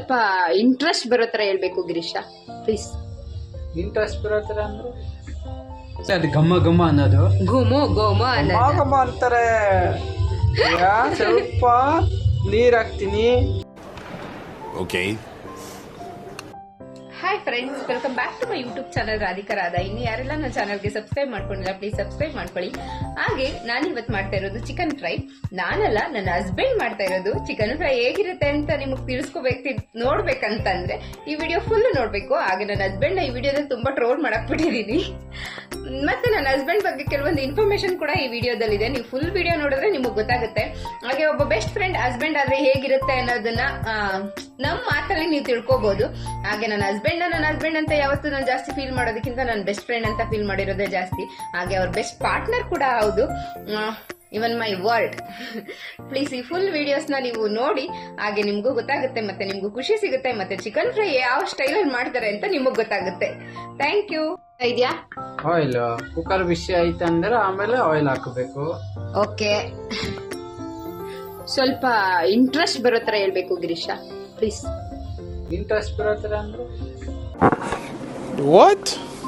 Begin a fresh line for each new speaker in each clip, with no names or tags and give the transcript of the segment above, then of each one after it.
ಸ್ವಲ್ಪ ಇಂಟ್ರೆಸ್ಟ್ ಬರೋ ತರ ಹೇಳ್ಬೇಕು ಗಿರೀಶ, ಪ್ಲೀಸ್.
ಇಂಟ್ರೆಸ್ಟ್ ಬರೋ ಥರ ಅಂದ್ರೆ ಅದು ಘಮ್ಮ ಘಮ್ಮ ಅನ್ನೋದು,
ಘುಮು ಘುಮ
ಘಮ ಘಮ ಅಂತಾರೆ. ಸ್ವಲ್ಪ ನೀರು ಹಾಕ್ತೀನಿ.
Okay.
Hi friends, welcome back to my YouTube channel Radhika Radha. ಇನ್ನು ಯಾರೆಲ್ಲ ನನ್ನ ಚಾನಲ್ಗೆ ಸಬ್ಸ್ಕ್ರೈಬ್ ಮಾಡ್ಕೊಂಡಿಲ್ಲ ಪ್ಲೀಸ್ ಸಬ್ಸ್ಕ್ರೈಬ್ ಮಾಡ್ಕೊಳ್ಳಿ. ಹಾಗೆ ನಾನು ಇವತ್ತು ಮಾಡ್ತಾ ಇರೋದು ಚಿಕನ್ ಫ್ರೈ. ನಾನಲ್ಲ, ನನ್ನ ಹಸ್ಬೆಂಡ್ ಮಾಡ್ತಾ ಇರೋದು. ಚಿಕನ್ ಫ್ರೈ ಹೇಗಿರುತ್ತೆ ಅಂತ ನಿಮಗೆ ತಿಳಿಸ್ಕೋಬೇಕು, ನೋಡ್ಬೇಕಂತಂದ್ರೆ ಈ ವಿಡಿಯೋ ಫುಲ್ ನೋಡ್ಬೇಕು. ಹಾಗೆ ನನ್ನ ಹಸ್ಬೆಂಡ್ ಈ ವಿಡಿಯೋದಲ್ಲಿ ತುಂಬಾ ಟ್ರೋಲ್ ಮಾಡಕ್ ಬಿಟ್ಟಿದ್ದೀನಿ. ಮತ್ತೆ ನನ್ನ ಹಸ್ಬೆಂಡ್ ಬಗ್ಗೆ ಕೆಲವೊಂದು ಇನ್ಫಾರ್ಮೇಶನ್ ಕೂಡ ಈ ವಿಡಿಯೋದಲ್ಲಿದೆ. ನೀವು ಫುಲ್ ವಿಡಿಯೋ ನೋಡಿದ್ರೆ ನಿಮಗೆ ಗೊತ್ತಾಗುತ್ತೆ. ಹಾಗೆ ಒಬ್ಬ ಬೆಸ್ಟ್ ಫ್ರೆಂಡ್ ಹಸ್ಬೆಂಡ್ ಆದ್ರೆ ಹೇಗಿರುತ್ತೆ ಅನ್ನೋದನ್ನ ನಮ್ಮ ಮಾತಲ್ಲಿ ನೀವು ತಿಳ್ಕೊಬಹುದು. ಹಾಗೆ ನನ್ನ ಹಸ್ಬೆಂಡ್ ಅಂತ ಯಾವತ್ತೂ ನಾನು ಜಾಸ್ತಿ ಫೀಲ್ ಮಾಡೋದಕ್ಕಿಂತ ನನ್ನ ಬೆಸ್ಟ್ ಫ್ರೆಂಡ್ ಅಂತ ಫೀಲ್ ಮಾಡಿರೋದೇ ಜಾಸ್ತಿ. ಹಾಗೆ ಅವ್ರ ಬೆಸ್ಟ್ ಪಾರ್ಟ್ನರ್ ಕೂಡ ಹೌದು, ಇವನ್ ಮೈ ವರ್ಲ್ಡ್. ಪ್ಲೀಸ್ ಈ ಫುಲ್ ವಿಡಿಯೋಸ್ನ ನೀವು ನೋಡಿ, ಹಾಗೆ ನಿಮ್ಗೂ ಗೊತ್ತಾಗುತ್ತೆ, ಮತ್ತೆ ನಿಮ್ಗೂ ಖುಷಿ ಸಿಗುತ್ತೆ, ಮತ್ತೆ ಚಿಕನ್ ಫ್ರೈ ಯಾವ ಸ್ಟೈಲಲ್ಲಿ ಮಾಡ್ತಾರೆ ಅಂತ ನಿಮಗ್ ಗೊತ್ತಾಗುತ್ತೆ. Thank you. ಇದೆಯಾ
ಆಯಿಲ್ ಕುಕ್ಕರ್ ಬಿಸಿ ಆಯ್ತು ಅಂದ್ರೆ ಆಮೇಲೆ ಆಯಿಲ್ ಹಾಕಬೇಕು.
ಓಕೆ, ಸ್ವಲ್ಪ ಇಂಟ್ರೆಸ್ಟ್ ಬರೋ ತರ ಹೇಳ್ಬೇಕು ಗಿರೀಶ, ಪ್ಲೀಸ್.
ಇಂಟ್ರೆಸ್ಟ್ ಬರೋ ಥರ ಅಂದ್ರೆ
What?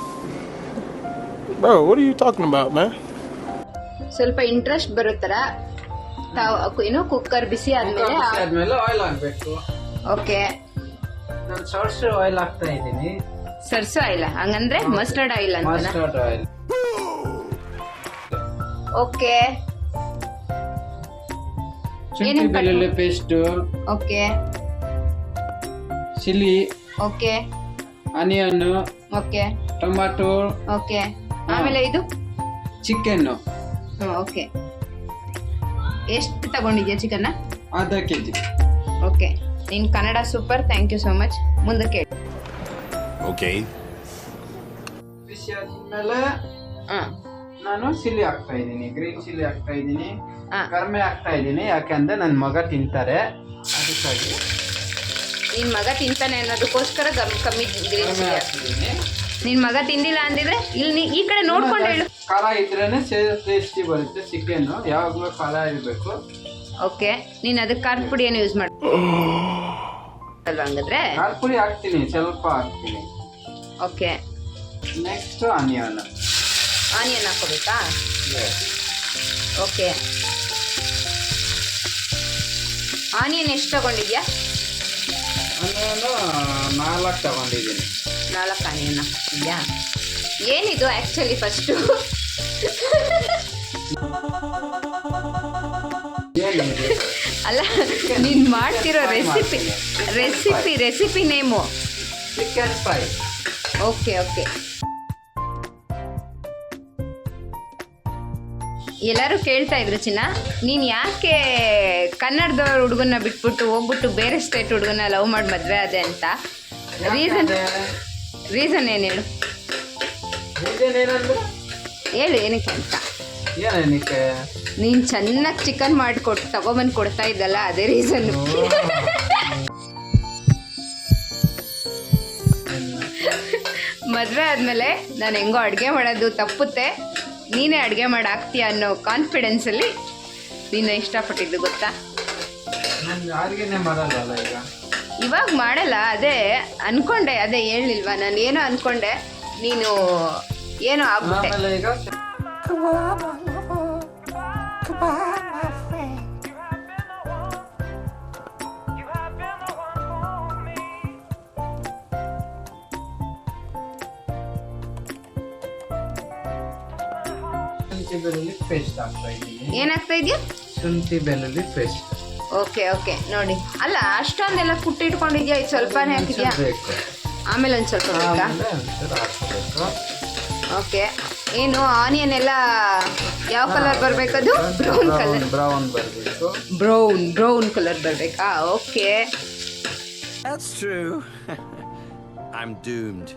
Bro, what are you talking about, man?
ಸ್ವಲ್ಪ ಇಂಟ್ರೆಸ್ಟ್ ಬರೋ ತರ ಏನೋ ಕುಕ್ಕರ್ ಬಿಸಿ ಆದ್ಮೇಲೆ.
ಆದ್ಮೇಲೆ ಆಯಿಲ್ ಹಾಕ್ಬೇಕು.
ಓಕೆ,
ನಾನು ಸಾಸಿವೆ ಆಯಿಲ್ ಹಾಕ್ತಾ ಇದ್ದೀನಿ.
ಸರ್ಸೋ ಆಯಿಲ್, ಹಂಗಂದ್ರೆ ಮಸ್ಟರ್ಡ್ ಆಯಿಲ್ ಅಂತ.
Mustard oil.
ಓಕೆ,
ಶುಂಠಿ ಬೆಳ್ಳುಳ್ಳಿ paste,
okay
chilli,
okay
onion,
okay
tomato,
okay. ಆಮೇಲೆ ಇದು
ಚಿಕನ್
ಓಕೆ. ಎಷ್ಟು ತಗೊಂಡಿದ್ಯಾ ಚಿಕನ್?
ಅರ್ಧ ಕೆಜಿ.
ಓಕೆ, ನಿನ್ Kannada super, thank you so much. ಮುಂದಕ್ಕೆ
Okay.
ಬಿಸಿ ಆದ್ಮೇಲೆ ನಾನು ಚಿಲ್ಲಿ ಹಾಕ್ತಾ ಇದ್ದೀನಿ, ಗ್ರೀನ್ ಚಿಲ್ಲಿ ಹಾಕ್ತಾ ಇದ್ದೀನಿ, ಕಡಿಮೆ ಹಾಕ್ತಾ ಇದ್ದೀನಿ. ಯಾಕಂದ್ರೆ ನನ್ನ ಮಗ ತಿಂತಾರೆ, ಅದಕ್ಕಾಗಿ.
ನಿನ್ ಮಗ ತಿಂತಾನೆ ಅನ್ನೋದಕ್ಕೋಸ್ಕರ ಕಮ್ಮಿ ಗ್ರೀನ್ ಚಿಲ್ಲಿ
ಹಾಕ್ತಿದ್ದೀನಿ.
ನಿನ್ ಮಗ ತಿಂದಿಲ್ಲ ಅಂದಿದ್ರೆ ಇಲ್ಲಿ ಈ ಕಡೆ ನೋಡ್ಕೊಂಡು ಹೇಳು.
ಖಾರ ಇದ್ರೇನೆ ಟೇಸ್ಟಿ ಬರುತ್ತೆ ಚಿಕನ್, ಯಾವಾಗಲೂ ಖಾರ ಇರಬೇಕು.
ಓಕೆ, ನೀನ್ ಅದಕ್ಕೆ ಖಾರದ ಪುಡಿ ಏನು ಯೂಸ್ ಮಾಡ ಅಲ್ವಾ? ಹಂಗಾದ್ರೆ
ಖಾರದ ಪುಡಿ ಹಾಕ್ತೀನಿ, ಸ್ವಲ್ಪ ಹಾಕ್ತೀನಿ.
ಓಕೆ,
ನೆಕ್ಸ್ಟ್ ಆನಿಯನ್
ಹಾಕೋಬೇಕಾ? ಓಕೆ, ಆನಿಯನ್ ಎಷ್ಟು ತಗೊಂಡಿದ್ಯಾ?
ಆನಿಯನ್ 4 ತಗೊಂಡಿದ್ದೀನಿ.
4 ಆನಿಯನ್ ಹಾಕ್ತಿದ್ಯಾ? ಏನಿದು ಆಕ್ಚುಲಿ ಫಸ್ಟು ಅಲ್ಲ, ನೀನ್ ಮಾಡ್ತಿರೋ recipe name
chicken fry.
Okay okay. ಎಲ್ಲರೂ ಕೇಳ್ತಾ ಇದ್ರು, ಚಿನ್ನ ನೀನ್ ಯಾಕೆ ಕನ್ನಡದವ್ರ ಹುಡುಗನ್ನ ಬಿಟ್ಬಿಟ್ಟು ಹೋಗ್ಬಿಟ್ಟು ಬೇರೆ ಸ್ಟೇಟ್ ಹುಡುಗನ್ನ ಲವ್ ಮಾಡಿ ಮದ್ವೆ ಅದೇ ಅಂತ. ರೀಸನ್ ಏನು ಹೇಳು? ಹೇಳು ಏನಕ್ಕೆ ಅಂತ.
ಏನಕ್ಕೆ?
ನೀನ್ ಚೆನ್ನಾಗಿ ಚಿಕನ್ ಮಾಡಿಕೊಟ್ಟು ತಗೊಬಂದು ಕೊಡ್ತಾ ಇದ್ದಲ್ಲ, ಅದೇ ರೀಸನ್. ಮದ್ವೆ ಆದ್ಮೇಲೆ ನಾನು ಹೆಂಗೋ ಅಡುಗೆ ಮಾಡೋದು ತಪ್ಪುತ್ತೆ, ನೀನೇ ಅಡುಗೆ ಮಾಡಿ ಹಾಕ್ತೀಯ ಅನ್ನೋ ಕಾನ್ಫಿಡೆನ್ಸಲ್ಲಿ ನೀನು ಇಷ್ಟಪಟ್ಟಿದ್ದು ಗೊತ್ತಾ?
ಮಾಡಲ್ಲ ಈಗ,
ಇವಾಗ ಮಾಡಲ್ಲ. ಅದೇ ಅನ್ಕೊಂಡೆ, ಅದೇ ಹೇಳಿಲ್ವಾ ನಾನು ಏನೋ ಅನ್ಕೊಂಡೆ, ನೀನು ಏನೋ ಆಗ್ಬಿಟ್ಟೆ.
ಈಗ ಶುಂಠಿ ಬೆಳ್ಳುಳ್ಳಿ ಪೇಸ್ಟ್ ಹಾಕ್ತಾ ಇದ್ದೀನಿ.
ಏನಾಗ್ತಾ ಇದೆಯಾ?
ಶುಂಠಿ ಬೆಳ್ಳುಳ್ಳಿ ಪೇಸ್ಟ್.
Okay okay. ನೋಡಿ, ಅಲ್ಲ ಅಷ್ಟೊಂದೆಲ್ಲ ಕುಟ್ಟಿಟ್ಕೊಂಡಿದ್ಯಾ, ಇದು ಸ್ವಲ್ಪನೇ ಹಾಕಿದ್ಯಾ?
ಬೇಕು.
ಆಮೇಲೆ ಒಂದು ಸ್ವಲ್ಪ ಬೇಕಾ?
ಹಾಕಬೇಕು.
ಓಕೆ. ಏನು ಆನಿಯನ್ ಎಲ್ಲ ಯಾವ ಕಲರ್ ಬರಬೇಕದು? Brown colour.
ಬ್ರೌನ್ ಬರಬೇಕು.
ಬ್ರೌನ್ ಕಲರ್ ಬರಬೇಕಾ? Okay.
That's true. I'm doomed.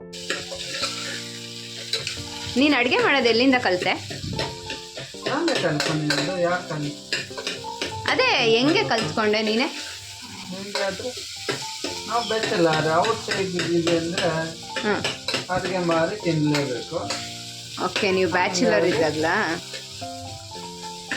ನೀನು ಅಡುಗೆ ಮಾಡೋದು ಎಲ್ಲಿಂದ ಕಲಿತೆ?
ನಾನೇ ಕಲ್ತ್ಕೊಂಡಿದ್ದು. ಯಾಕೆ?
ಅದೇ ಹೆಂಗೆ ಕಲ್ತ್ಕೊಂಡೆ ನೀನೆ?
ನಿಮಗೆ ಆದರೆ ನಾವು ಬೆಚ್ಚಲಾರೆ ಔಟ್ ಸೈಡ್ ಇದ್ದೀವಿ ಅಂದರೆ ಅಡುಗೆ ಮಾಡಿ ತಿನ್ನಲೇಬೇಕು.
ಓಕೆ, ನೀವು ಬ್ಯಾಚುಲರ್ ಇದ್ದಾಗಲಾ?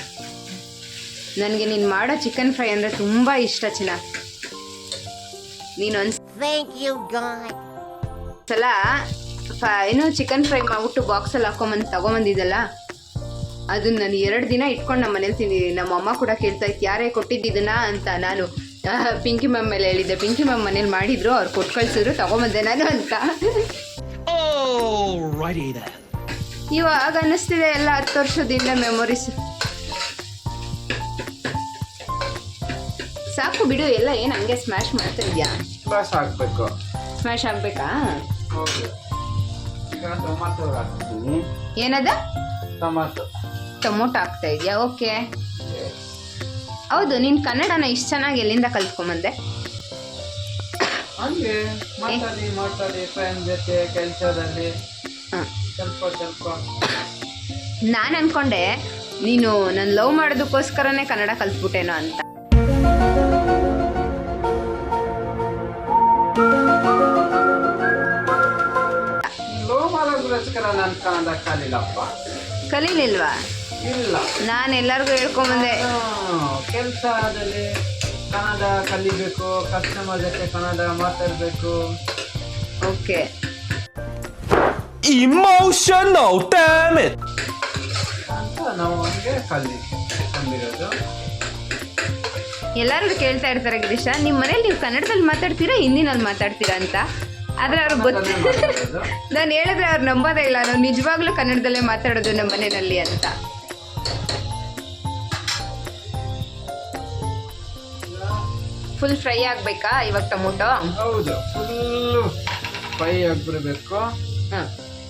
ನನಗೆ ನೀನು ಮಾಡೋ ಚಿಕನ್ ಫ್ರೈ ಅಂದರೆ ತುಂಬ ಇಷ್ಟ ಚಿನ್ನ.
Thank you, God.
ಸಲ ಏನೋ ಚಿಕನ್ ಫ್ರೈ ಮಾಡ್ಬಿಟ್ಟು ಬಾಕ್ಸಲ್ಲಿ ಹಾಕೊಂಬಂದು ತಗೊಂಬಂದಿದ್ದಲ್ಲ, ಅದನ್ನ ನಾನು 2 ದಿನ ಇಟ್ಕೊಂಡು ನಮ್ಮ ಮನೇಲಿ ತಿಂದಿದ್ದೀನಿ. ನಮ್ಮ ಅಮ್ಮ ಕೂಡ ಕೇಳ್ತಾ ಇತ್ತು ಯಾರೇ ಕೊಟ್ಟಿದ್ದಿದ್ದನ್ನ ಅಂತ. ನಾನು ಪಿಂಕಿ ಮ್ಯಾಮ್ ಮೇಲೆ ಹೇಳಿದ್ದೆ, ಪಿಂಕಿ ಮ್ಯಾಮ್ ಮನೇಲಿ ಮಾಡಿದ್ರು, ಅವ್ರು ಕೊಟ್ಟು ಕಳ್ಸಿದ್ರು, ತಗೊಂಬಂದೆ ನಾನು ಅಂತ. ಇವಾಗ ಅನ್ನಿಸ್ತಿದೆ ಎಲ್ಲ 10 ವರ್ಷದಿಂದ ಮೆಮೊರೀಸ್. ಸಾಕು ಬಿಡು, ಎಲ್ಲ ಏನು ಹಂಗೆ ಸ್ಮ್ಯಾಶ್ ಮಾಡ್ತಾ ಇದೆಯಾ?
ಬಸ್ ಹಾಕ್ಬೇಕು.
ಸ್ಮ್ಯಾಶ್ ಆಗ್ಬೇಕಾ?
ಹೌದು. ಈಗ ಟೊಮಾಟೊ ಹಾಕ್ತೀನಿ.
ಏನದ?
ಟೊಮಾಟೊ
ಹಾಕ್ತಾ ಇದೆಯಾ? ಓಕೆ. ಹೌದು, ನೀನು ಕನ್ನಡನ ಇಷ್ಟು ಚೆನ್ನಾಗಿ ಎಲ್ಲಿಂದ ಕಲ್ತ್ಕೊಂಬಂದೆ?
ಹಂಗೆ ಮಾತಾಡಿ ಫ್ರೆಂಡ್ ಜೊತೆ ಕೆಲಸದಲ್ಲಿ ಸ್ವಲ್ಪ
ನಾನು ಅನ್ಕೊಂಡೆ ನೀನು ನನ್ನ ಲವ್ ಮಾಡೋದಕ್ಕೋಸ್ಕರನೇ ಕನ್ನಡ ಕಲ್ತ್ಬಿಟ್ಟೇನೋ ಅಂತ.
ನಾನು ಕನ್ನಡ ಕಲಿಲ್ಲಪ್ಪ.
ಕಲೀಲಿಲ್ವಾ?
ಇಲ್ಲ,
ನಾನು ಎಲ್ಲರಿಗೂ ಹೇಳ್ಕೊಂಬಂದೆ
ಕೆಲಸದಲ್ಲಿ ಕನ್ನಡ ಕಲಿಬೇಕು, ಕಸ್ಟಮರ್ ಜೊತೆ ಕನ್ನಡ ಮಾತಾಡಬೇಕು.
ಓಕೆ.
Emotional, damn it!
ಅಂತ ನಾವು ಹಂಗೆ ಕಲಿರೋದು.
ಎಲ್ಲರಿಗೂ ಕೇಳ್ತಾ ಇರ್ತಾರೆ, ಗಿರೀಶ ನಿಮ್ಮ ಮನೇಲಿ ನೀವು ಕನ್ನಡದಲ್ಲಿ ಮಾತಾಡ್ತೀರಾ ಹಿಂದಿನಲ್ಲಿ ಮಾತಾಡ್ತೀರಾ ಅಂತ. ಆದರೆ ಅವ್ರಿಗೆ ಗೊತ್ತು. ನಾನು ಹೇಳಿದ್ರೆ ಅವ್ರು ನಂಬೋದೇ ಇಲ್ಲ, ನಾವು ನಿಜವಾಗ್ಲೂ ಕನ್ನಡದಲ್ಲೇ ಮಾತಾಡೋದು ನಮ್ಮ ಮನೆಯಲ್ಲಿ ಅಂತ. ಫುಲ್ ಫ್ರೈ ಆಗಬೇಕಾ ಇವಾಗ ಟೊಮೊಟೊ?
ಹೌದು, ಫುಲ್ಲು ಫ್ರೈ ಆಗಿಬಿಡ್ಬೇಕು.
ಹಾಂ,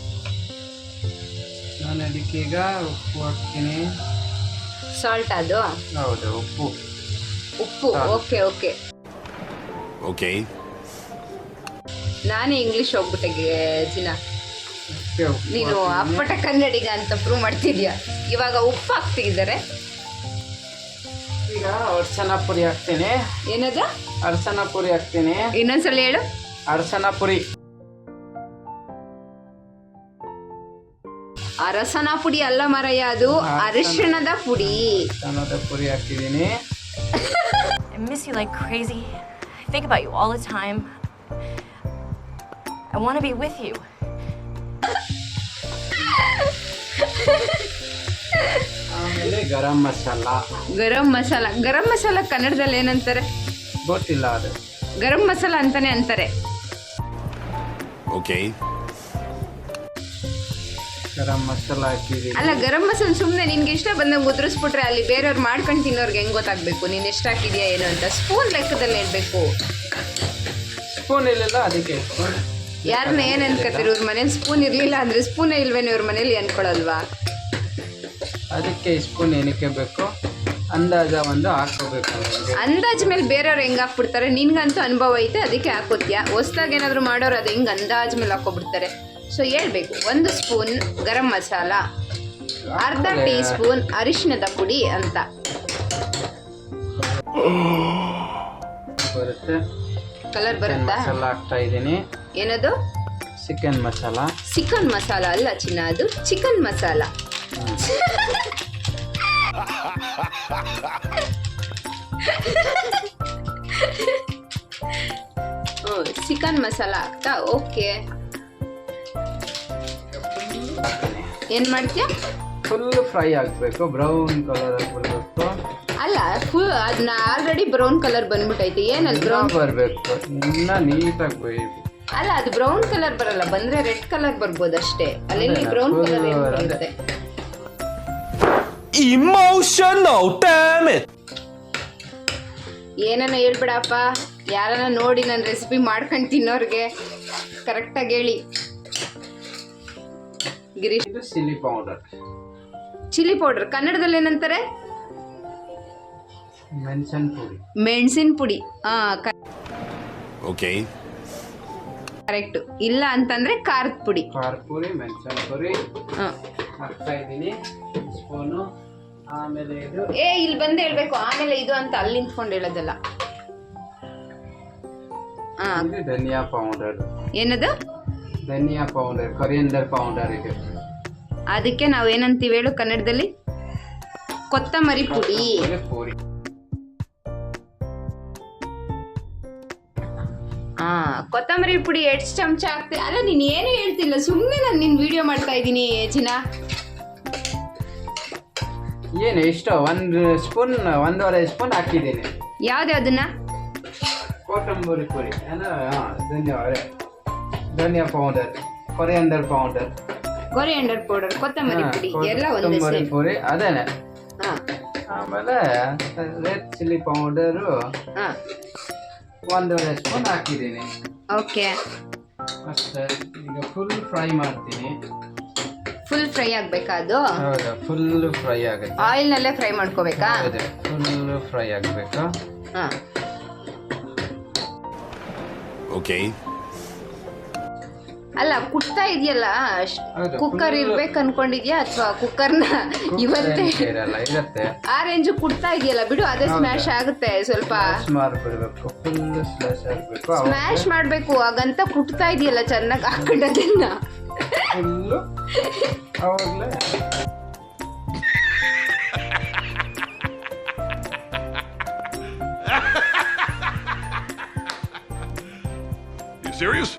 ನಾನು ಅದಕ್ಕೆ ಈಗ ಉಪ್ಪು ಹಾಕ್ತೀನಿ.
ಸಾಲ್ಟ್ ಅದು?
ಹೌದು, ಉಪ್ಪು.
Okay okay
Okay.
ನಾನೇ ಇಂಗ್ಲಿಷ್ ಹೋಗ್ಬಿಟ್ಟೆ ಜಿನ.
ಉಪ್ಪು
ನೀನು ಅಪ್ಪಟ ಕನ್ನಡಿಗ ಅಂತ ಪ್ರೂವ್ ಮಾಡ್ತಿದ್ಯಾ. ಇವಾಗ ಉಪ್ಪು ಹಾಕ್ತಿದ್ದಾರೆ.
ಈಗ ಅರಸನ ಪುರಿ ಹಾಕ್ತೀನಿ.
ಏನದ?
ಅರಸನ ಪುರಿ ಹಾಕ್ತೀನಿ.
ಇನ್ನೊಂದ್ಸಲ ಹೇಳು.
ಅರಸನ ಪುರಿ.
ಅರಸನ ಪುಡಿ ಅಲ್ಲ ಮರಯ್ಯ, ಅದು ಅರಿಶಿಣದ ಪುಡಿ.
ಅರಸನದ ಪುರಿ ಹಾಕಿದ್ದೀನಿ.
I miss you like crazy. I think about you all the time. I want to be with you.
ಆಮೇಲೆ ಗರಂ ಮಸಾಲ.
ಗರಂ ಮಸಾಲ ಕನ್ನಡದಲ್ಲಿ ಏನಂತಾರೆ
ಗೊತ್ತಿಲ್ಲ, ಅದು
ಗರಂ ಮಸಾಲ ಅಂತಾನೆ ಅಂತಾರೆ.
Okay.
ಗರಂ ಮಸಾಲ ಹಾಕಿದ್ದೀನಿ.
ಅಲ್ಲ, ಗರಂ ಮಸಾಲ ಸುಮ್ಮನೆ ನಿನ್ಗೆ ಇಷ್ಟ ಬಂದಂಗೆ ಉದುರಿಸ್ಬಿಟ್ರೆ ಅಲ್ಲಿ ಬೇರೆಯವ್ರು ಮಾಡ್ಕೊಂಡು ತಿನ್ನೋರ್ಗೆ ಹೆಂಗ್ ಗೊತ್ತಾಗ್ಬೇಕು ನೀನು ಎಷ್ಟು ಹಾಕಿದ್ಯಾ ಏನು ಅಂತ? ಸ್ಪೂನ್ ಲೆಕ್ಕದಲ್ಲಿ ಹೇಳ್ಬೇಕು.
ಸ್ಪೂನ್ ಇರಲಿಲ್ಲ, ಅದಕ್ಕೆ ಸ್ಪೂನ್.
ಯಾರನ್ನ ಏನು ಅನ್ಕೋತೀರಿ? ಇವ್ರ ಮನೇಲಿ ಸ್ಪೂನ್ ಇರಲಿಲ್ಲ ಅಂದರೆ ಸ್ಪೂನೇ ಇಲ್ವೇನೋ ಇವ್ರ ಮನೇಲಿ ಅನ್ಕೊಳ್ಳಲ್ವಾ?
ಅದಕ್ಕೆ ಸ್ಪೂನ್ ಏನಕ್ಕೆ ಬೇಕು, ಅಂದಾಜ ಒಂದು ಹಾಕೋಬೇಕು.
ಅಂದಾಜ್ ಮೇಲೆ ಬೇರೆಯವ್ರು ಹೆಂಗೆ ಹಾಕ್ಬಿಡ್ತಾರೆ, ನಿನ್ಗಂತೂ ಅನುಭವ ಐತೆ ಅದಕ್ಕೆ ಹಾಕೋತ್ಯಾ. ಹೊಸ್ದಾಗಿ ಏನಾದರೂ ಮಾಡೋರು ಅದು ಹೆಂಗೆ ಅಂದಾಜ್ ಮೇಲೆ ಹಾಕೋಬಿಡ್ತಾರೆ. ಸೊ ಹೇಳ್ಬೇಕು, 1 ಸ್ಪೂನ್ ಗರಂ ಮಸಾಲ, ಅರ್ಧ ಟೀ ಸ್ಪೂನ್ ಅರಿಶಿಣದ ಪುಡಿ ಅಂತ
ಬರುತ್ತೆ.
ಕಲರ್ ಬರುತ್ತಾ?
ಮಸಾಲ ಹಾಕ್ತಾ ಇದ್ದೀನಿ.
ಏನದು?
ಚಿಕನ್ ಮಸಾಲ.
ಚಿಕನ್ ಮಸಾಲ ಅಲ್ಲ ಚಿನ್ನ, ಅದು ಚಿಕನ್ ಮಸಾಲ. ಚಿಕನ್ ಮಸಾಲ ಹಾಕ್ತಾ? ಓಕೆ. ಏನ್ ಮಾಡ್ತೀಯ?
ಫುಲ್ ಫ್ರೈ ಆಗಬೇಕು, ಬ್ರೌನ್ ಕಲರ್ ಆಗಿಬಿಡ್ಬೇಕು.
ಅಲ್ಲ, ಫುಲ್ ಅದನ್ನ ಆಲ್ರೆಡಿ ಬ್ರೌನ್ ಕಲರ್ ಬಂದ್ಬಿಟ್ಟೈತೆ. ಏನಲ್ಲಿ ಬ್ರೌನ್
ಬರಬೇಕು, ಇನ್ನ ನೀಟಾಗಿ ಬೇಯಬೇಕು.
ಅಲ್ಲ, ಅದು ಬ್ರೌನ್ ಕಲರ್ ಬರಲ್ಲ, ಬಂದ್ರೆ ರೆಡ್ ಕಲರ್ ಬರ್ಬೋದು ಅಷ್ಟೇ. ಅಲ್ಲಿ ಬ್ರೌನ್ ಕಲರ್ ಏನು ಬರುತ್ತೆ?
Emotional, damn it!
ಏನನ್ನ ಹೇಳ್ಬಿಡಪ್ಪ, ಯಾರನ್ನ ನೋಡಿ ನನ್ನ ರೆಸಿಪಿ ಮಾಡ್ಕೊಂಡು ತಿನ್ನೋರ್ಗೆ ಕರೆಕ್ಟಾಗಿ ಹೇಳಿ. ಗಿರೀಶ್,
ಇದು ಚಿಲ್ಲಿ ಪೌಡರ್.
ಚಿಲ್ಲಿ ಪೌಡರ್ ಕನ್ನಡದಲ್ಲಿ ಏನಂತಾರೆ?
ಮೆಣಸಿನ ಪುಡಿ.
ಮೆಣಸಿನ ಪುಡಿ.
Okay.
ಕರೆಕ್ಟ್. ಇಲ್ಲ ಅಂತಂದ್ರೆ ಖಾರದ ಪುಡಿ.
ಖಾರದ ಪುಡಿ, ಮೆಣಸಿನ ಪುಡಿ ಹಾಕ್ತಾ ಇದ್ದೀನಿ ಸ್ಪೂನು. ಆಮೇಲೆ ಇದು
ಇಲ್ಲಿ ಬಂದು ಹೇಳ್ಬೇಕು, ಆಮೇಲೆ ಇದು ಅಂತ ಅಲ್ಲಿ ನಿಂತ್ಕೊಂಡು ಹೇಳೋದಲ್ಲ.
ಇದು ಧನಿಯಾ ಪೌಡರ್.
ಏನದು?
ಧನಿಯಾ ಪೌಡರ್, ಕೊರಿಯಂಡರ್ ಪೌಡರ್. ಇದು
ಅದಕ್ಕೆ ನಾವು ಏನಂತೀವಿ ಹೇಳು ಕನ್ನಡದಲ್ಲಿ? ಕೊತ್ತಂಬರಿ ಪುಡಿ. ಕೊತ್ತಂಬರಿ ಪುಡಿ ಎಷ್ಟು ಚಮಚ ಹಾಕ್ತೆ? ಅಲ್ಲ ನೀನ್ ಏನು ಹೇಳ್ತಿಲ್ಲ, ಸುಮ್ಮನೆ ನಾನು ನಿನ್ ವಿಡಿಯೋ ಮಾಡ್ತಾ ಇದ್ದೀನಿ ಚಿನ್ನ.
ಏನು ಇಷ್ಟು 1 ಸ್ಪೂನ್ 1.5 ಸ್ಪೂನ್ ಹಾಕಿದ್ದೀನಿ.
ಯಾವ್ದ್ಯಾವ್ದನ್ನ?
ಕೊತ್ತಂಬರಿ ಪುಡಿ ಧನಿಯಾ powder, coriander powder,
coriander powder, ಕೊತ್ತಂಬರಿ ಪುಡಿ ಎಲ್ಲ ಒಂದೇ
ಕೊತ್ತಂಬರಿ
ಸೇಮ್.
ಪುಡಿ ಅದೇನೆ.
ಹಾ
ಆಮೇಲೆ ರೆಡ್ ಚಿಲ್ಲಿ ಪೌಡರು
ಹಾ
1.5 ಸ್ಪೂನ್ ಹಾಕಿದ್ದೀನಿ
ಓಕೆ.
ಅಷ್ಟೇ. ಈಗ ಫುಲ್ ಫ್ರೈ ಮಾಡ್ತೀನಿ.
ಫುಲ್ ಫ್ರೈ ಆಗ್ಬೇಕಾ ಅದು?
ಹೌದಾ, ಫುಲ್ ಫ್ರೈ ಆಗುತ್ತೆ.
ಆಯಿಲ್ ನಲ್ಲೇ ಫ್ರೈ ಮಾಡ್ಕೋಬೇಕಾ?
ಹೌದು, ಫುಲ್ ಫ್ರೈ ಆಗಬೇಕು.
ಹಾ
Okay.
ಅಲ್ಲ ಕುಟ್ತಾ ಇದೆಯಲ್ಲ,
ಹೌದು,
ಕುಕ್ಕರ್
full-
ಇರ್ಬೇಕು ಅನ್ಕೊಂಡಿದ್ಯಾ ಅಥವಾ ಕುಕ್ಕರ್ನ ಇವತ್ತೇ
ಇರಲ್ಲ, ಇರುತ್ತೆ.
ಆ ರೇಂಜ್ ಕುಟ್ತಾ ಇದೆಯಲ್ಲ ಬಿಡು, ಅದೇ
ಹೌದು.
ಸ್ಮ್ಯಾಶ್ ಆಗುತ್ತೆ ಸ್ವಲ್ಪ.
ಮಾಡ್ಬಿಡ್ಬೇಕು, ಫುಲ್ ಸ್ಲಾಶ್ ಆಗಬೇಕು.
ಸ್ಮ್ಯಾಶ್ ಮಾಡ್ಬೇಕು, ಹಾಗಂತ ಕುಟ್ತಾ ಇದೆಯಲ್ಲ ಚೆನ್ನಾಗಿ ಹಾಕೊಂಡದನ್ನ.
ಫುಲ್ಲು ಅವಾಗಲೇ
You serious?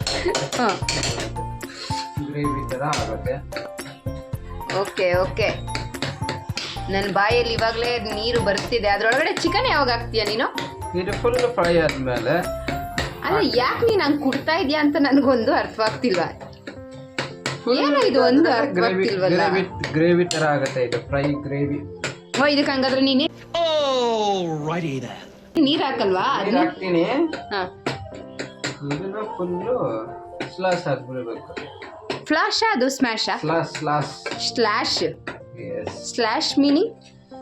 ಗ್ರೇವಿ ಥರ ಆಗುತ್ತೆ.
Okay okay. ನನ್ನ ಬಾಯಲ್ಲಿ ಇವಾಗಲೇ ನೀರು ಬರ್ತಿದೆ. ಅದ್ರೊಳಗಡೆ ಚಿಕನ್ ಯಾವಾಗ ಹಾಕ್ತೀಯ ನೀನು?
ಇದು ಫುಲ್ ಫ್ರೈ ಆದ್ಮೇಲೆ
ಅಲ್ಲ ಯಾಕೆ ನೀನು ಹಂಗೆ ಕುಟ್ತಾ ಇದೆಯಾ ಅಂತ ನನಗೊಂದು ಅರ್ಥವಾಗ್ತಿಲ್ವಾ? ಏನೋ ಇದು ಒಂದು ಅರ್ಥವಾಗ್ತಿಲ್ವಲ್ಲ.
ಗ್ರೇವಿ ಥರ ಆಗುತ್ತೆ, ಇದು ಫ್ರೈ ಗ್ರೇವಿ.
ಓ ಇದಕ್ಕೆ ಹಂಗಾದ್ರೆ ನೀನು
Alrighty then.
ನೀರು ಹಾಕಲ್ವಾ?
ನೀರು ಹಾಕ್ತೀನಿ.
ಹಾಂ,
ಇದನ್ನ ಫುಲ್ಲು ಸ್ಲಾಶ್ ಆಗ್ಬಿಡ್ಬೇಕು.
ಫ್ಲಾಶಾ ಅದು ಸ್ಮ್ಯಾಶಾ?
Slash slash
slash.
Yes.
Slash meaning?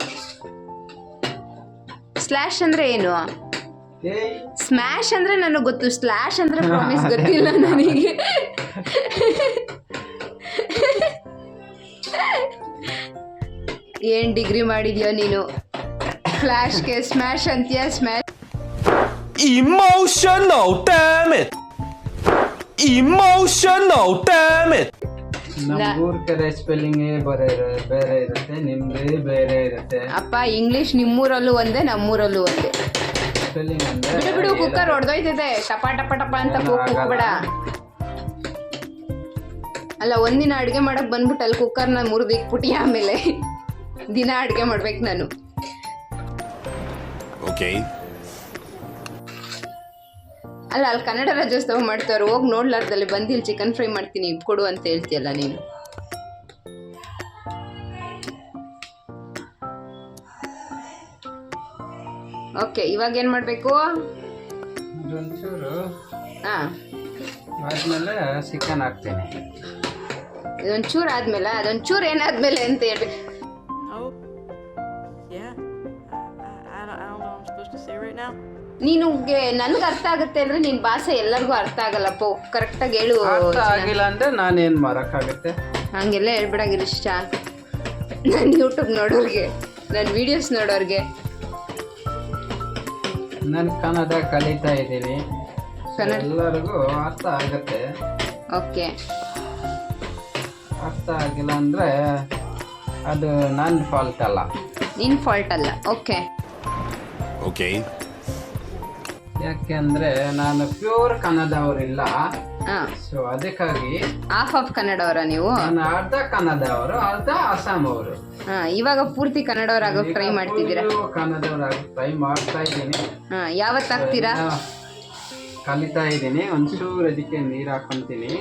Slash ಅಂದ್ರೆ ಏನು?
ಏಯ್
ಸ್ಮ್ಯಾಶ್ ಅಂದ್ರೆ ನನಗೆ ಗೊತ್ತು, ಸ್ಲ್ಯಾಶ್ ಅಂದ್ರೆ ಪ್ರಾಮಿಸ್ ಗೊತ್ತಿಲ್ಲ ನನಗೆ. ಏನ್ ಡಿಗ್ರಿ ಮಾಡಿದ್ಯೋ ನೀನು? ಫ್ಲಾಶ್ಗೆ ಸ್ಮ್ಯಾಶ್ ಅಂತೀಯ? Smash
Emotional, damn it! Emotional, damn it!
ನಮ್ಮೂರ್ ಕಡೆ ಸ್ಪೆಲ್ಲಿಂಗ್ ಬೇರೆ ಇರುತ್ತೆ, ನಿಮ್ದೇ ಬೇರೆ ಇರುತ್ತೆ.
ಅಪ್ಪ ಇಂಗ್ಲಿಷ್ ನಿಮ್ಮೂರಲ್ಲೂ ಒಂದೇ ನಮ್ಮೂರಲ್ಲೂ ಒಂದೇ.
ಸ್ಪೆಲ್ಲಿಂಗ್ ಅಂದ್ರೆ
ಬಿಡು ಬಿಡು, ಕುಕ್ಕರ್ ಹೊಡೆದೋಯ್ತದೆ. ಟಪ ಟಪ ಟಪ ಅಂತ ಕೂಗ್ಬೇಡ. ಅಲ್ಲ ಒಂದಿನ ಅಡುಗೆ ಮಾಡಕ್ ಬಂದ್ಬಿಟ್ಟು ಅಲ್ಲಿ ಕುಕ್ಕರ್ನ ಮುರಿದು ಇಕ್ಬಿಟ್ಟು ಆಮೇಲೆ ದಿನ ಅಡುಗೆ ಮಾಡ್ಬೇಕು ನಾನು.
Okay.
ಅಲ್ಲ ಅಲ್ಲಿ ಕನ್ನಡ ರಾಜ್ಯೋತ್ಸವ ಮಾಡ್ತಾರೆ, ಹೋಗಿ ನೋಡ್ಲಾರ್ದಲ್ಲಿ ಬಂದು ಇಲ್ಲಿ ಚಿಕನ್ ಫ್ರೈ ಮಾಡ್ತೀನಿ ಕೊಡು ಅಂತ ಹೇಳ್ತೀಯಲ್ಲ ನೀನು. ಓಕೆ, ಇವಾಗ ಏನು ಮಾಡಬೇಕು?
ಒಂಚೂರು
ಹಾಂ,
ಆದ್ಮೇಲೆ ಚಿಕನ್ ಹಾಕ್ತೀನಿ.
ಇದೊಂಚೂರು ಆದ್ಮೇಲೆ ಅದೊಂಚೂರು ಏನಾದ್ಮೇಲೆ ಅಂತ ಹೇಳ್ಬೇಕು.
Oh, yeah. I don't know what I'm supposed to say right now.
ನೀನು ನನ್ಗೆ ಅರ್ಥ ಆಗುತ್ತೆ ಅಂದ್ರೆ ನಿನ್ನ ಭಾಷೆ ಎಲ್ಲರಿಗೂ ಅರ್ಥ ಆಗಲ್ಲಪ್ಪ. ಕರೆಕ್ಟಾಗಿ ಹೇಳು.
ಅರ್ಥ ಆಗಿಲ್ಲ ಅಂದ್ರೆ ನಾನೇನ್ ಮಾಡೋಕ್ಕಾಗುತ್ತೆ?
ಹಂಗೆಲ್ಲ ಹೇಳ್ಬಿಡಾಗಿಲ್ಲ ಇಷ್ಟ. ನನ್ನ ಯೂಟ್ಯೂಬ್ ನೋಡೋರಿಗೆ, ನನ್ನ ವಿಡಿಯೋಸ್ ನೋಡೋರಿಗೆ.
ನಾನು ಕನ್ನಡ ಕಲಿತಾ ಇದ್ದೀನಿ, ಎಲ್ಲರಿಗೂ ಅರ್ಥ ಆಗುತ್ತೆ.
ಓಕೆ,
ಅರ್ಥ ಆಗಿಲ್ಲ ಅಂದ್ರೆ ಅದು ನನ್ನ ಫಾಲ್ಟ್ ಅಲ್ಲ,
ನಿನ್ನ ಫಾಲ್ಟ್ ಅಲ್ಲ. Okay
Okay.
ಯಾಕೆಂದ್ರೆ ನಾನು ಪ್ಯೂರ್ ಕನ್ನಡವರಿಲ್ಲ.
ಹಾಂ,
ಸೊ ಅದಕ್ಕಾಗಿ
ಹಾಫ್ ಆಫ್ ಕನ್ನಡವರ ನೀವು?
ನಾನು ಅರ್ಧ ಕನ್ನಡವರು, ಅರ್ಧ ಅಸ್ಸಾಂ ಅವರು.
ಹಾಂ, ಇವಾಗ ಪೂರ್ತಿ ಕನ್ನಡವರಾಗೋಕೆ ಟ್ರೈ ಮಾಡ್ತಿದ್ದೀರಾ?
ಕನ್ನಡವರಾಗಿ ಟ್ರೈ ಮಾಡ್ತಾ ಇದ್ದೀನಿ.
ಹಾಂ, ಯಾವತ್ತು ಆಗ್ತೀರಾ?
ಕಲಿತಾ ಇದ್ದೀನಿ. ಒಂಚೂರು ಅದಕ್ಕೆ ನೀರು ಹಾಕೊಂತೀನಿ.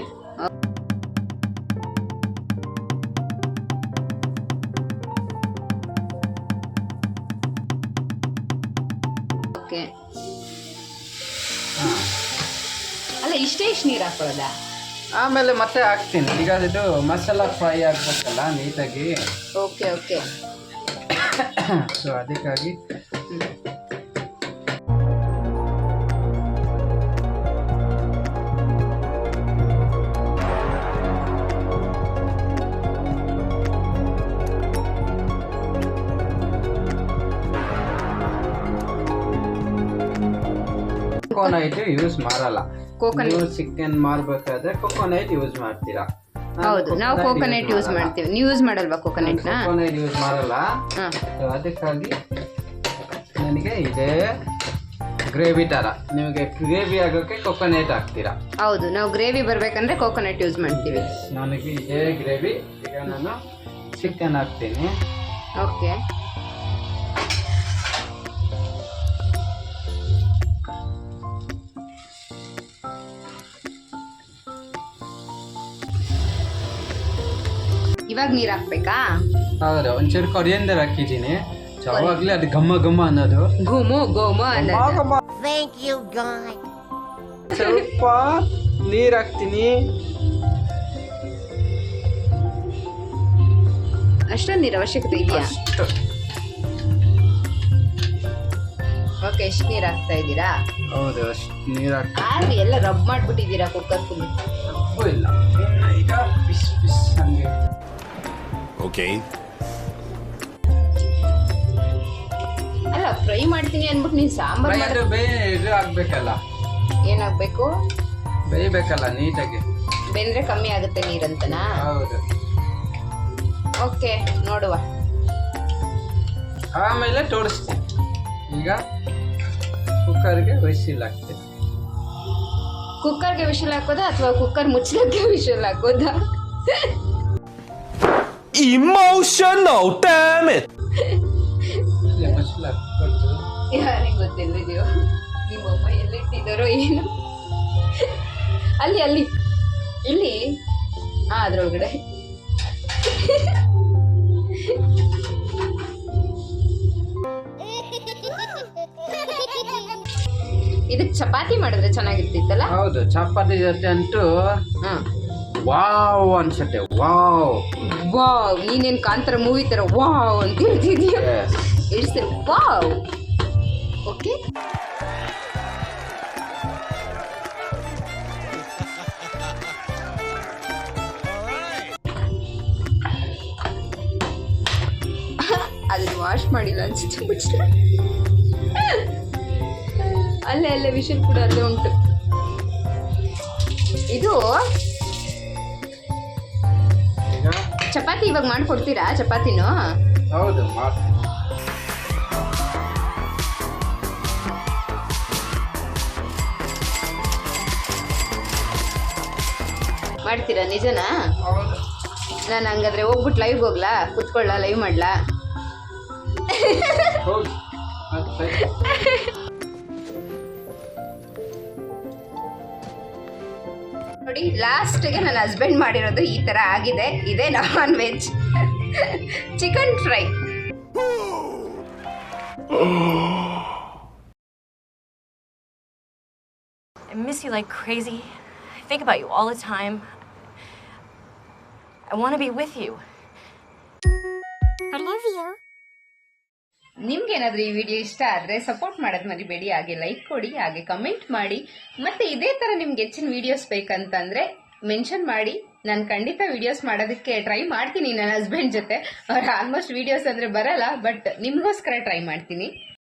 ಓಕೆ. ಅಲ್ಲ ಇಷ್ಟೇ ಇಷ್ಟು ನೀರು ಹಾಕೊಳ್ಳೋದಾ?
ಆಮೇಲೆ ಮತ್ತೆ ಹಾಕ್ತೀನಿ. ಈಗ ಇದು ಮಸಾಲ ಫ್ರೈ ಆಗ್ಬೇಕಲ್ಲ ನೀಟಾಗಿ.
Okay okay.
ಸೊ ಅದಕ್ಕಾಗಿ ಕೊಕೊನಟ್ ಯೂಸ್ ಮಾಡಲ್ಲ.
ಕೋಕೋನಟ್.
ನೀವು ಚಿಕನ್ ಮಾಡಬೇಕಾದ್ರೆ ಕೊಕೊನಟ್ ಯೂಸ್ ಮಾಡ್ತೀರಾ?
ಹೌದು, ನಾವು ಕೋಕೋನಟ್ ಯೂಸ್ ಮಾಡ್ತೀವಿ. ನೀವು ಯೂಸ್ ಮಾಡಲ್ವಾ ಕೋಕೋನಟ್ನ?
ಕೊಕೊನಟ್ ಯೂಸ್ ಮಾಡಲ್ಲ.
ಹಾಂ,
ಸೊ ಅದಕ್ಕಾಗಿ ನನಗೆ ಇದೇ ಗ್ರೇವಿ ತರ. ನಿಮಗೆ ಗ್ರೇವಿ ಆಗೋಕೆ ಕೊಕೊನೆಟ್ ಹಾಕ್ತೀರಾ.
ಹೌದು, ನಾವು ಗ್ರೇವಿ ಬರ್ಬೇಕಂದ್ರೆ ಕೋಕೋನಟ್ ಯೂಸ್ ಮಾಡ್ತೀವಿ.
ನನಗೆ ಇದೇ ಗ್ರೇವಿ. ಈಗ ನಾನು ಚಿಕನ್ ಹಾಕ್ತೀನಿ.
ಓಕೆ, ಇವಾಗ ನೀರ್ ಹಾಕ್ಬೇಕಾ?
ಹೌದು, ಒಂಚೂರು ಕೊರಿಯಂದರ್ ಹಾಕಿದ್ದೀನಿ. ಯಾವಾಗ್ಲೇ ಅದು ಘಮ್ಮ ಘಮ್ಮ ಅನ್ನೋದು.
ಘುಮು ಘುಮ ಅನ್ನೋದು.
ಸ್ವಲ್ಪ ನೀರ್ ಹಾಕ್ತೀನಿ.
ಅಷ್ಟೊಂದು ನೀರ್ ಅವಶ್ಯಕತೆ ಇದೆಯಾ?
ಅಷ್ಟು.
ಓಕೆ, ಎಷ್ಟು ನೀರ್ ಹಾಕ್ತಾ ಇದ್ದೀರಾ?
ಹೌದು, ಅಷ್ಟು ನೀರ್ ಹಾಕ್ತೀನಿ.
ಆದ್ರೆ ಎಲ್ಲ ರಬ್ ಮಾಡ್ಬಿಟ್ಟಿದ್ದೀರಾ ಕುಕ್ಕರ್ ಫುಲ್.
ತಪ್ಪು ಇಲ್ಲ. ಈಗ ಪಿಸ್ ಪಿಸ್ ಹಂಗೆ.
Okay.
ಅಲ್ಲ, ಫ್ರೈ ಮಾಡ್ತೀನಿ ಅನ್ಬಿಟ್ಟು ನೀನ್ ಸಾಂಬಾರ್
ಅದು ಇದು ಆಗ್ಬೇಕಲ್ಲ,
ಏನಾಗ್ಬೇಕು?
ಬೇಯಬೇಕಲ್ಲ ನೀಟಾಗಿ.
ಬೆಂದ್ರೆ ಕಮ್ಮಿ ಆಗುತ್ತೆ ನೀರಂತನಾ?
ಹೌದು.
ಓಕೆ, ನೋಡುವ.
ಆಮೇಲೆ ತೋರಿಸ್ತೀನಿ. ಈಗ ಕುಕ್ಕರ್ಗೆ ವಿಸಿಲ್ ಹಾಕ್ತೀನಿ.
ಕುಕ್ಕರ್ಗೆ ವಿಷಲ್ ಹಾಕೋದಾ ಅಥವಾ ಕುಕ್ಕರ್ ಮುಚ್ಚಲಕ್ಕೆ ವಿಷಲ್ ಹಾಕೋದಾ?
Emotional, damn it!
ವಿಸಿಲ್ ಹಾಕ್ಬಿಟ್ಟು
ಯಾರಿಗೆ ಗೊತ್ತಿಲ್ಲ. ನಿಮ್ಮಮ್ಮ ಎಲ್ಲಿಟ್ಟಿದ್ದಾರೋ ಏನು. ಅಲ್ಲಿ ಅಲ್ಲಿ ಇಲ್ಲಿ ಅದ್ರೊಳಗಡೆ. ಇದಕ್ಕೆ ಚಪಾತಿ ಮಾಡಿದ್ರೆ ಚೆನ್ನಾಗಿರ್ತಿತ್ತಲ್ಲ.
ಹೌದು, ಚಪಾತಿ ಜೊತೆ ಅಂತೂ
ಹಾ,
ವಾವ್ ಅನ್ಸುತ್ತೆ. ವಾವ್
ವಾವ್, ನೀನೇನ್ ಕಾಂತಾರ ಮೂವಿ ತರ ವಾವ್ ಅಂತ ಹೇಳ್ತಿದ್ಯಾ? It's wow. ಓಕೆ, ಅದನ್ನ ವಾಶ್ ಮಾಡಿಲ್ಲ ಅನ್ಸುತ್ತೆ. ಮುಚ್ಚಲ ಅಲ್ಲೇ ಅಲ್ಲೇ ವಿಷಲ್ ಕೂಡ ಅಲ್ಲೇ ಉಂಟು. ಇದು
ಈಗ
ಚಪಾತಿ ಇವಾಗ ಮಾಡ್ಕೊಡ್ತೀರಾ? ಚಪಾತಿನೂ
ಹೌದು
ಮಾಡ್ತೀರಾ? ನಿಜನಾ?
ಹೌದು.
ನಾನು ಹಂಗಾದ್ರೆ ಹೋಗ್ಬಿಟ್ಟು ಲೈವ್ ಹೋಗ್ಲಾ? ಕುತ್ಕೊಳ್ಳ, ಲೈವ್ ಮಾಡ್ಲಾ?
ಹೌದು.
ನೋಡಿ, ಲಾಸ್ಟ್ಗೆ ನನ್ನ ಹಸ್ಬೆಂಡ್ ಮಾಡಿರೋದು ಈ ತರ ಆಗಿದೆ. ಇದೇ non veg chicken fry.
I miss you like crazy. I think about you all the time. I want to be with you.
I love you.
ನಿಮ್ಗೆ ಏನಾದ್ರೂ ಈ ವಿಡಿಯೋ ಇಷ್ಟ ಆದ್ರೆ ಸಪೋರ್ಟ್ ಮಾಡೋದ್ ಮರಿಬೇಡಿ. ಹಾಗೆ ಲೈಕ್ ಕೊಡಿ, ಹಾಗೆ ಕಮೆಂಟ್ ಮಾಡಿ. ಮತ್ತೆ ಇದೇ ತರ ನಿಮ್ಗೆ ಹೆಚ್ಚಿನ ವಿಡಿಯೋಸ್ ಬೇಕಂತಂದ್ರೆ ಮೆನ್ಷನ್ ಮಾಡಿ. ನಾನು ಖಂಡಿತ ವಿಡಿಯೋಸ್ ಮಾಡೋದಕ್ಕೆ ಟ್ರೈ ಮಾಡ್ತೀನಿ ನನ್ನ ಹಸ್ಬೆಂಡ್ ಜೊತೆ. ಅವ್ರ ಆಲ್ಮೋಸ್ಟ್ ವಿಡಿಯೋಸ್ ಅಂದ್ರೆ ಬರಲ್ಲ, ಬಟ್ ನಿಮ್ಗೋಸ್ಕರ ಟ್ರೈ ಮಾಡ್ತೀನಿ.